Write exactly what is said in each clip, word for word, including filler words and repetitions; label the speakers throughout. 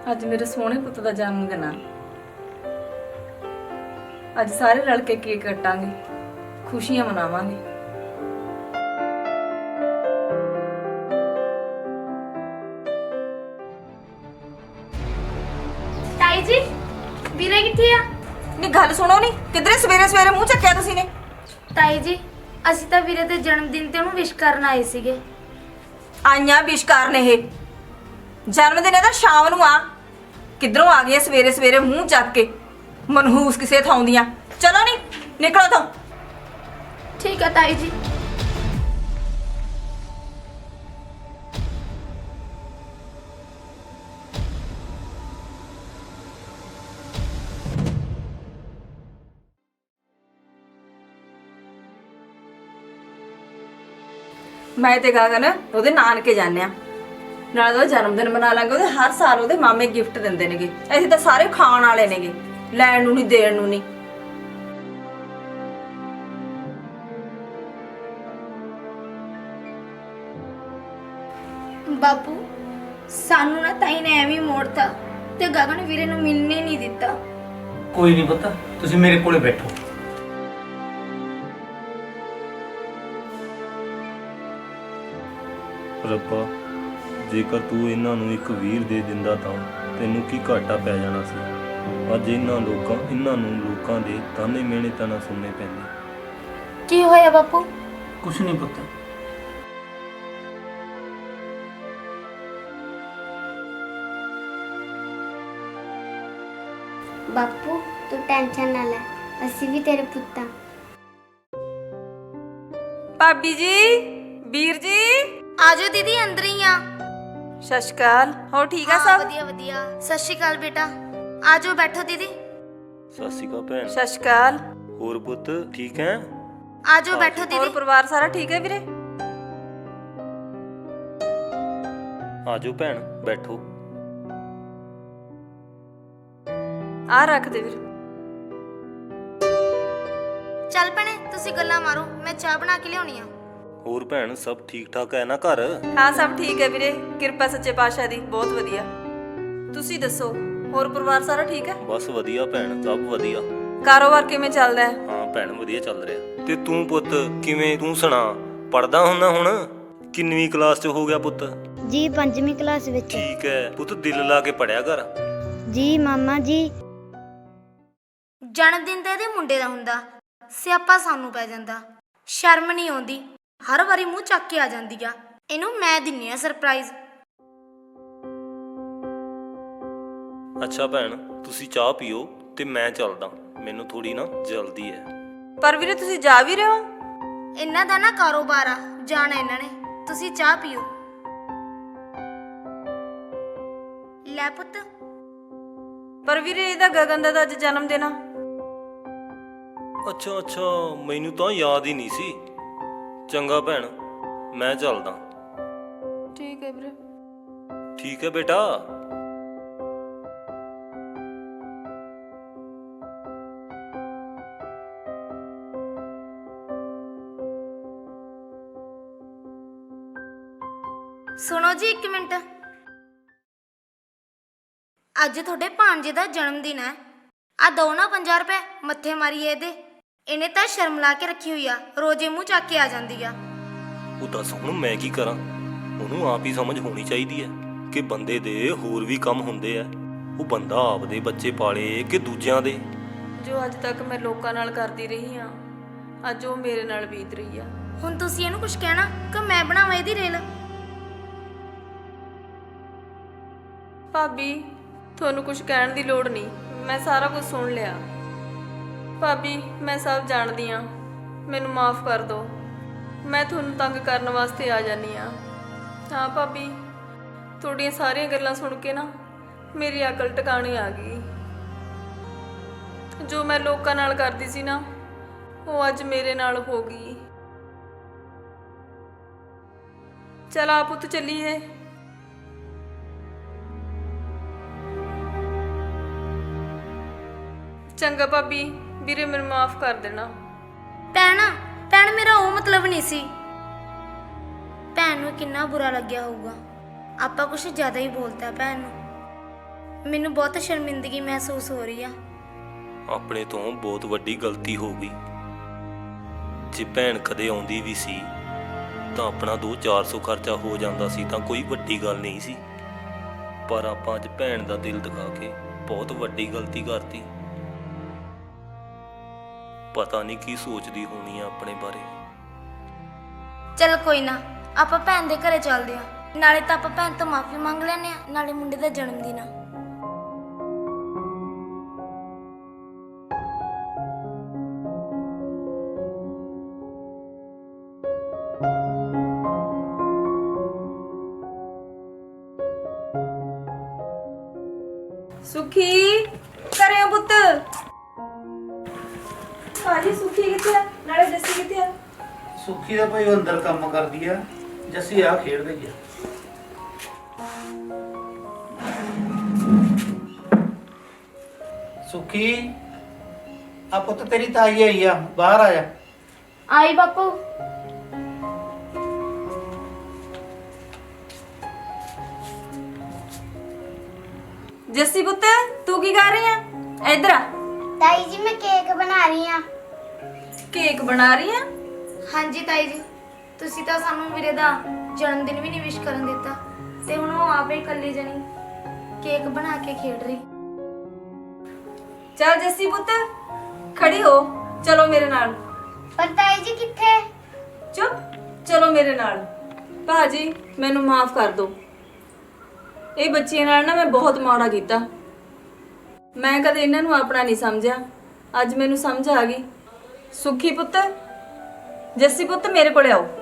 Speaker 1: ਅੱਜ ਮੇਰੇ ਸੋਹਣੇ ਪੁੱਤ ਦਾ ਜਨਮ ਦਿਨ ਆ। ਅੱਜ ਸਾਰੇ ਰਲ ਕੇ ਕੇਕ ਕੱਟਾਂਗੇ, ਖੁਸ਼ੀਆਂ ਮਨਾਵਾਂਗੇ।
Speaker 2: ਤਾਈ ਜੀ ਵੀਰੇ ਕਿੱਥੇ ਆ?
Speaker 1: ਨੀ ਗੱਲ ਸੁਣੋ ਨੀ, ਕਿਧਰੇ ਸਵੇਰੇ ਸਵੇਰੇ ਮੂੰਹ ਚੱਕਿਆ ਤੁਸੀਂ ਨੇ?
Speaker 2: ਤਾਈ ਜੀ ਅਸੀਂ ਤਾਂ ਵੀਰੇ ਦੇ ਜਨਮ ਦਿਨ ਤੇ ਉਹਨੂੰ ਵਿਸ਼ ਕਰਨ ਆਏ ਸੀਗੇ।
Speaker 1: ਆਈਆਂ ਵਿਸ਼ਕਾਰ ਨੇ ਇਹ ਜਨਮ ਦਿਨ ਇਹਦਾ ਸ਼ਾਮ ਨੂੰ ਆ, ਕਿਧਰੋਂ ਆ ਗਈਆਂ ਸਵੇਰੇ ਸਵੇਰੇ ਮੂੰਹ ਚੱਕ ਕੇ ਮਨਹੂਸ ਕਿਸੇ ਥਾਂ ਦੀਆਂ। ਚਲੋ ਨੀ ਨਿਕਲੋ ਤੋਂ।
Speaker 2: ਠੀਕ ਆ ਤਾਈ ਜੀ।
Speaker 1: ਮੈਂ ਤੇ ਗਗਨ ਉਹਦੇ ਨਾਨਕੇ ਜਾਂਦੇ ਆ, ਨਾਲੇ ਉਹਦਾ ਜਨਮ ਦਿਨ ਮਨਾ ਲਾਂਗੇ। ਉਹਦੇ ਹਰ ਸਾਲ ਉਹਦੇ ਮਾਮੇ ਗਿਫਟ ਦਿੰਦੇ ਨੇਗੇ, ਅਸੀਂ ਤਾਂ ਸਾਰੇ ਖਾਣ ਵਾਲੇ ਨੇਗੇ, ਲੈਣ ਨੂੰ ਨਹੀਂ ਦੇਣ ਨੂੰ ਨਹੀਂ।
Speaker 2: ਬਾਪੂ ਸਾਨੂੰ ਨਾ ਤਾਈ ਨੇ ਐਵੇਂ ਮੋੜਤਾ ਤੇ ਗਗਨ ਵੀਰੇ ਨੂੰ ਮਿਲਣੇ ਨਹੀਂ ਦਿੱਤਾ।
Speaker 3: ਕੋਈ ਨਹੀਂ ਪੁੱਤ, ਤੁਸੀਂ ਮੇਰੇ ਕੋਲੇ ਬੈਠੋ।
Speaker 4: ਰੱਬਾ, ਜੇਕਰ ਤੂੰ ਇਹਨਾਂ ਨੂੰ ਇੱਕ ਵੀਰ ਦੇ ਦਿੰਦਾ ਤਾਂ ਤੈਨੂੰ ਕੀ ਘਾਟਾ ਪੈ ਜਾਣਾ ਸੀ। ਅੱਜ ਇਹਨਾਂ ਲੋਕਾਂ ਇਹਨਾਂ ਨੂੰ ਲੋਕਾਂ ਦੇ ਤਾਨੇ ਮਿਹਣੇ ਤਾਂ ਨਾ ਸੁਣਨੇ ਪੈਂਦੇ।
Speaker 2: ਕੀ ਹੋਇਆ ਬਾਪੂ?
Speaker 3: ਕੁਛ ਨਹੀਂ ਪੁੱਤ।
Speaker 5: ਬਾਪੂ ਤੂੰ ਟੈਨਸ਼ਨ ਨਾ ਲੈ, ਅਸੀਂ ਵੀ ਤੇਰੇ ਪੁੱਤਾਂ।
Speaker 1: ਭਾਬੀ ਜੀ, ਵੀਰ ਜੀ,
Speaker 2: ਆਜੋ ਦੀਦੀ ਅੰਦਰ ਹੀ ਆ।
Speaker 1: ਸਤਿ ਸ਼੍ਰੀ ਅਕਾਲ। ਹੋਰ ਠੀਕ ਆ
Speaker 2: ਹਾਂ,
Speaker 1: ਸਭ?
Speaker 2: ਵਧੀਆ ਵਧੀਆ। ਸਤਿ ਸ਼੍ਰੀ ਅਕਾਲ ਬੇਟਾ, ਆਜੋ ਬੈਠੋ ਦੀਦੀ।
Speaker 4: ਸਤਿ ਸ਼੍ਰੀ ਅਕਾਲ ਭੈਣ।
Speaker 1: ਸਤਿ ਸ਼੍ਰੀ ਅਕਾਲ।
Speaker 4: ਹੋਰ ਪੁੱਤ ਠੀਕ ਹੈ?
Speaker 2: ਆਜੋ ਬੈਠੋ
Speaker 1: ਹੋਰ
Speaker 2: ਦੀਦੀ।
Speaker 1: ਪਰਿਵਾਰ ਸਾਰਾ ਠੀਕ ਹੈ ਵੀਰੇ?
Speaker 4: ਆਜੋ ਭੈਣ ਬੈਠੋ।
Speaker 1: ਆ ਰੱਖ ਦੇ ਵੀਰ।
Speaker 2: ਚੱਲ ਭੈਣੇ ਤੁਸੀਂ ਗੱਲਾਂ ਮਾਰੋ, ਮੈਂ ਚਾਹ ਬਣਾ ਕੇ ਲਿਆਉਣੀ ਆ।
Speaker 4: ਹੋਰ ਭੈਣ ਸਭ ਠੀਕ ਠਾਕ ਹੈ ਨਾ ਘਰ?
Speaker 1: ਹਾਂ ਸਭ ਠੀਕ ਹੈ ਵੀਰੇ, ਕਿਰਪਾ ਸੱਚੇ ਪਾਤਸ਼ਾਹ ਦੀ, ਬਹੁਤ ਵਧੀਆ। ਤੁਸੀਂ ਦੱਸੋ, ਹੋਰ ਪਰਿਵਾਰ ਸਾਰਾ ਠੀਕ ਹੈ?
Speaker 4: ਬਸ ਵਧੀਆ ਭੈਣ, ਸਭ ਵਧੀਆ।
Speaker 1: ਕਾਰੋਬਾਰ ਕਿਵੇਂ ਚੱਲਦਾ ਹੈ?
Speaker 4: ਹਾਂ ਭੈਣ ਵਧੀਆ ਚੱਲ ਰਿਹਾ। ਤੇ ਤੂੰ ਪੁੱਤ ਕਿਵੇਂ, ਤੂੰ ਸੁਣਾ, ਪੜਦਾ ਹੁੰਨਾ ਹੁਣ? ਕਿੰਨਵੀਂ ਕਲਾਸ 'ਚ ਹੋ ਗਿਆ ਪੁੱਤ?
Speaker 5: ਜੀ ਪੰਜਵੀਂ ਕਲਾਸ ਵਿੱਚ।
Speaker 4: ਠੀਕ ਹੈ ਪੁੱਤ, ਦਿਲ ਲਾ ਕੇ ਪੜਿਆ ਕਰ।
Speaker 5: ਜੀ ਮਾਮਾ ਜੀ।
Speaker 2: ਜਨਮ ਦਿਨ ਤਾਂ ਇਹਦੇ ਮੁੰਡੇ ਦਾ ਹੁੰਦਾ, ਸਿਆਪਾ ਸਾਨੂੰ ਪੈ ਜਾਂਦਾ। ਸ਼ਰਮ ਨਹੀਂ ਆਉਂਦੀ, ਹਰ ਵਾਰੀ ਮੂੰਹ ਚੱਕ ਕੇ ਆ ਜਾਂਦੀ ਆ। ਇਹਨੂੰ ਮੈਂ ਦਿੰਨੀ ਆ ਸਰਪ੍ਰਾਈਜ਼।
Speaker 4: ਅੱਛਾ ਭੈਣ, ਤੁਸੀਂ ਚਾਹ ਪੀਓ ਤੇ ਮੈਂ ਚੱਲਦਾ, ਮੈਨੂੰ ਥੋੜੀ ਨਾ ਜਲਦੀ ਹੈ।
Speaker 1: ਪਰ ਵੀਰੇ ਤੁਸੀਂ ਜਾ ਵੀ ਰਹੇ ਹੋ?
Speaker 2: ਇਹਨਾਂ ਦਾ ਨਾ ਕਾਰੋਬਾਰ ਆ, ਜਾਣਾ ਇਹਨਾਂ ਨੇ। ਤੁਸੀਂ ਚਾਹ ਪੀਓ। ਲੈ ਪੁੱਤ।
Speaker 1: ਪਰ ਵੀਰੇ ਇਹਦਾ ਗਗਨ ਦਾ ਤਾਂ ਅੱਜ ਜਨਮ ਦਿਨ ਆ।
Speaker 4: ਅੱਛਾ ਅੱਛਾ, ਮੈਨੂੰ ਤਾਂ ਯਾਦ ਹੀ ਨਹੀਂ ਸੀ। ਚੰਗਾ ਭੈਣ, ਮੈਂ ਚੱਲਦਾ।
Speaker 1: ਠੀਕ ਹੈ ਵੀਰੇ।
Speaker 4: ਠੀਕ ਹੈ ਬੇਟਾ।
Speaker 2: ਸੁਣੋ ਜੀ ਇੱਕ ਮਿੰਟ। ਅੱਜ ਤੁਹਾਡੇ ਭਾਂਜੇ ਦਾ ਜਨਮ ਦਿਨ ਹੈ। ਆ ਦੋ ਨਾ ਪੰਜਾਹ ਰੁਪਏ ਮੱਥੇ ਮਾਰੀਏ ਇਹਦੇ। ਇਹਨੇ ਤਾਂ ਸ਼ਰਮ ਲਾ ਕੇ ਰੱਖੀ ਹੋਈ ਆ, ਰੋਜ਼ੇ ਮੂੰਹ ਚੱਕ ਕੇ ਆ ਜਾਂਦੀ ਆ।
Speaker 4: ਉਹ ਦੱਸ ਹੁਣ ਮੈਂ ਕੀ ਕਰਾਂ? ਉਹਨੂੰ ਆਪ ਹੀ ਸਮਝ ਹੋਣੀ ਚਾਹੀਦੀ ਹੈ ਕਿ ਬੰਦੇ ਦੇ ਹੋਰ ਵੀ ਕੰਮ ਹੁੰਦੇ ਆ। ਉਹ ਬੰਦਾ ਆਪਦੇ ਬੱਚੇ ਪਾਲੇ ਕਿ ਦੂਜਿਆਂ ਦੇ।
Speaker 1: ਜੋ ਅੱਜ ਤੱਕ ਮੈਂ ਲੋਕਾਂ ਨਾਲ ਕਰਦੀ ਰਹੀ ਹਾਂ, ਅੱਜ ਉਹ ਮੇਰੇ ਨਾਲ ਬੀਤ ਰਹੀ ਆ।
Speaker 2: ਹੁਣ ਤੁਸੀਂ ਇਹਨੂੰ ਕੁਝ ਕਹਿਣਾ ਕਿ ਮੈਂ ਬਣਾਵਾਂ ਇਹਦੀ ਰੇਲ?
Speaker 1: ਭਾਬੀ ਤੁਹਾਨੂੰ ਕੁਝ ਕਹਿਣ ਦੀ ਲੋੜ ਨਹੀਂ, ਮੈਂ ਸਾਰਾ ਕੁਝ ਸੁਣ ਲਿਆ। ਭਾਬੀ ਮੈਂ ਸਭ ਜਾਣਦੀ ਹਾਂ, ਮੈਨੂੰ ਮਾਫ ਕਰ ਦਿਓ। ਮੈਂ ਤੁਹਾਨੂੰ ਤੰਗ ਕਰਨ ਵਾਸਤੇ ਆ ਜਾਨੀ ਆ। ਹਾਂ ਭਾਬੀ, ਤੁਹਾਡੀਆਂ ਸਾਰੀਆਂ ਗੱਲਾਂ ਸੁਣ ਕੇ ਨਾ ਮੇਰੀ ਅਕਲ ਟਿਕਾਣੇ ਆ ਗਈ। ਜੋ ਮੈਂ ਲੋਕਾਂ ਨਾਲ ਕਰਦੀ ਸੀ ਨਾ, ਉਹ ਅੱਜ ਮੇਰੇ ਨਾਲ ਹੋ ਗਈ। ਚਲ ਆ ਪੁੱਤ ਚੱਲੀਏ। ਚੰਗਾ ਭਾਬੀ, ਵੀਰੇ ਮੈਨੂੰ ਮਾਫ ਕਰ ਦੇਣਾ।
Speaker 2: ਭੈਣ ਭੈਣ ਮੇਰਾ ਉਹ ਮਤਲਬ ਨਹੀਂ ਸੀ। ਭੈਣ ਨੂੰ ਕਿੰਨਾ ਬੁਰਾ ਲੱਗਿਆ ਹੋਊਗਾ, ਆਪਾਂ ਕੁਛ ਜ਼ਿਆਦਾ ਹੀ ਬੋਲਤਾ ਭੈਣ ਨੂੰ। ਮੈਨੂੰ ਬਹੁਤ ਸ਼ਰਮਿੰਦਗੀ ਮਹਿਸੂਸ ਹੋ ਰਹੀ ਆ।
Speaker 4: ਆਪਣੇ ਤੋਂ ਬਹੁਤ ਵੱਡੀ ਗਲਤੀ ਹੋ ਗਈ। ਜੇ ਭੈਣ ਕਦੇ ਆਉਂਦੀ ਵੀ ਸੀ ਤਾਂ ਆਪਣਾ ਦੋ ਚਾਰ ਸੌ ਖਰਚਾ ਹੋ ਜਾਂਦਾ ਸੀ ਤਾਂ ਕੋਈ ਵੱਡੀ ਗੱਲ ਨਹੀਂ ਸੀ, ਪਰ ਆਪਾਂ ਅੱਜ ਭੈਣ ਦਾ ਦਿਲ ਦਿਖਾ ਕੇ ਬਹੁਤ ਵੱਡੀ ਗਲਤੀ ਕਰਤੀ। ਪਤਾ ਨਹੀਂ ਕੀ ਸੋਚਦੀ ਹੋਣੀ ਆ ਆਪਣੇ ਬਾਰੇ।
Speaker 2: ਚਲ ਕੋਈ ਨਾ, ਆਪਾਂ ਭੈਣ ਦੇ ਘਰੇ ਚੱਲਦੇ ਆ। ਨਾਲੇ ਤਾਂ ਆਪਾਂ ਭੈਣ ਤੋਂ ਮਾਫੀ ਮੰਗ ਲੈਨੇ ਆ, ਨਾਲੇ ਮੁੰਡੇ ਦਾ ਜਨਮ ਦਿਨ ਆ।
Speaker 1: ਸੁਖੀ ਕਰਿਓ ਪੁੱਤ। ਭਾਜੀ ਸੁਖੀ ਕਿੱਥੇ ਆ? ਨਾਲੇ ਜੱਸੀ ਕਿੱਥੇ ਆ?
Speaker 3: ਸੁੱਖੀ ਦਾ ਭਾਈ ਉਹ ਅੰਦਰ ਕੰਮ ਕਰਦੀ ਆ, ਜੱਸੀ ਆ ਖੇਡਦੇ ਗਿਆ। ਸੁੱਖੀ ਆ ਪੁੱਤ ਤੇਰੀ ਤਾਈ ਆਈ ਆ, ਬਾਹਰ ਆ ਜਾ।
Speaker 2: ਆਈ ਬਾਪੂ।
Speaker 1: ਜੱਸੀ ਪੁੱਤ ਤੂੰ ਕੀ ਕਰ ਰਹੀ ਆ? ਇੱਧਰ ਆ।
Speaker 5: ਤਾਈ ਜੀ ਮੈਂ ਕੇਕ ਬਣਾ ਰਹੀ ਆ।
Speaker 1: ਕੇਕ ਬਣਾ ਰਹੀ ਆ?
Speaker 2: ਹਾਂਜੀ ਤਾਈ ਜੀ, ਤੁਸੀਂ ਤਾਂ ਸਾਨੂੰ ਵੀਰੇ ਦਾ ਜਨਮ ਦਿਨ ਵੀ ਨਹੀਂ ਵਿਸ਼ ਕਰਨ ਦਿੱਤਾ, ਤੇ ਹੁਣ ਉਹ ਆਪੇ ਇਕੱਲੀ ਜਣੀ ਕੇਕ ਬਣਾ ਕੇ ਖੇਡ ਰਹੀ।
Speaker 1: ਚੱਲ ਜੱਸੀ ਪੁੱਤ ਖੜੀ ਹੋ, ਚਲੋ ਮੇਰੇ ਨਾਲ।
Speaker 5: ਪਰ ਤਾਈ ਜੀ ਕਿੱਥੇ?
Speaker 1: ਚੁੱਪ, ਚਲੋ ਮੇਰੇ ਨਾਲ। ਭਾਜੀ ਮੈਨੂੰ ਮਾਫ ਕਰ ਦਿਓ। ਇਹ ਬੱਚੀਆਂ ਨਾਲ ਨਾ ਮੈਂ ਬਹੁਤ ਮਾੜਾ ਕੀਤਾ। ਮੈਂ ਕਦੇ ਇਹਨਾਂ ਨੂੰ ਆਪਣਾ ਨਹੀਂ ਸਮਝਿਆ, ਅੱਜ ਮੈਨੂੰ ਸਮਝ ਆ ਗਈ। ਸੁਖੀ ਪੁੱਤ, ਜੱਸੀ ਪੁੱਤ ਮੇਰੇ ਕੋਲ ਆਓ।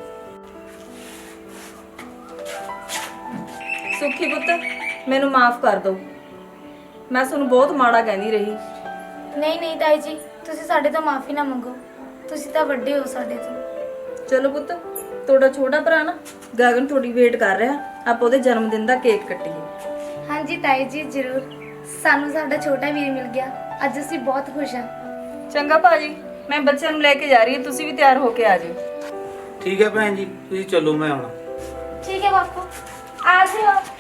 Speaker 1: ਸੁਖੀ ਪੁੱਤ ਮੈਨੂੰ ਮਾਫ ਕਰ ਦਿਓ, ਮੈਂ ਤੁਹਾਨੂੰ ਬਹੁਤ ਮਾੜਾ ਕਹਿੰਦੀ ਰਹੀ।
Speaker 2: ਨਹੀਂ ਨਹੀਂ ਤਾਈ ਜੀ, ਤੁਸੀਂ ਸਾਡੇ ਤੋਂ ਮਾਫੀ ਨਾ ਮੰਗੋ, ਤੁਸੀਂ ਤਾਂ ਵੱਡੇ ਹੋ ਸਾਡੇ ਤੋਂ।
Speaker 1: ਚਲੋ ਪੁੱਤ, ਤੁਹਾਡਾ ਛੋਟਾ ਭਰਾ ਨਾ ਗਗਨ ਤੁਹਾਡੀ ਵੇਟ ਕਰ ਰਿਹਾ, ਆਪਾਂ ਉਹਦੇ ਜਨਮ ਦਿਨ ਦਾ ਕੇਕ ਕੱਟੀਏ।
Speaker 2: ਹਾਂਜੀ ਤਾਈ ਜੀ ਜ਼ਰੂਰ, ਸਾਨੂੰ ਸਾਡਾ ਛੋਟਾ ਵੀਰ ਮਿਲ ਗਿਆ, ਅੱਜ ਅਸੀਂ ਬਹੁਤ ਖੁਸ਼ ਹਾਂ।
Speaker 1: ਚੰਗਾ ਭਾਜੀ, ਮੈਂ ਬੱਚਿਆਂ ਨੂੰ ਲੈ ਕੇ ਜਾ ਰਹੀ ਹਾਂ, ਤੁਸੀਂ ਵੀ ਤਿਆਰ ਹੋ ਕੇ ਆ ਜਾਓ।
Speaker 3: ਠੀਕ ਹੈ ਭੈਣ ਜੀ, ਤੁਸੀਂ ਚੱਲੋ, ਮੈਂ ਆਉਣਾ।
Speaker 2: ਠੀਕ ਹੈ ਬਾਪੂ, ਆ ਜਾਓ।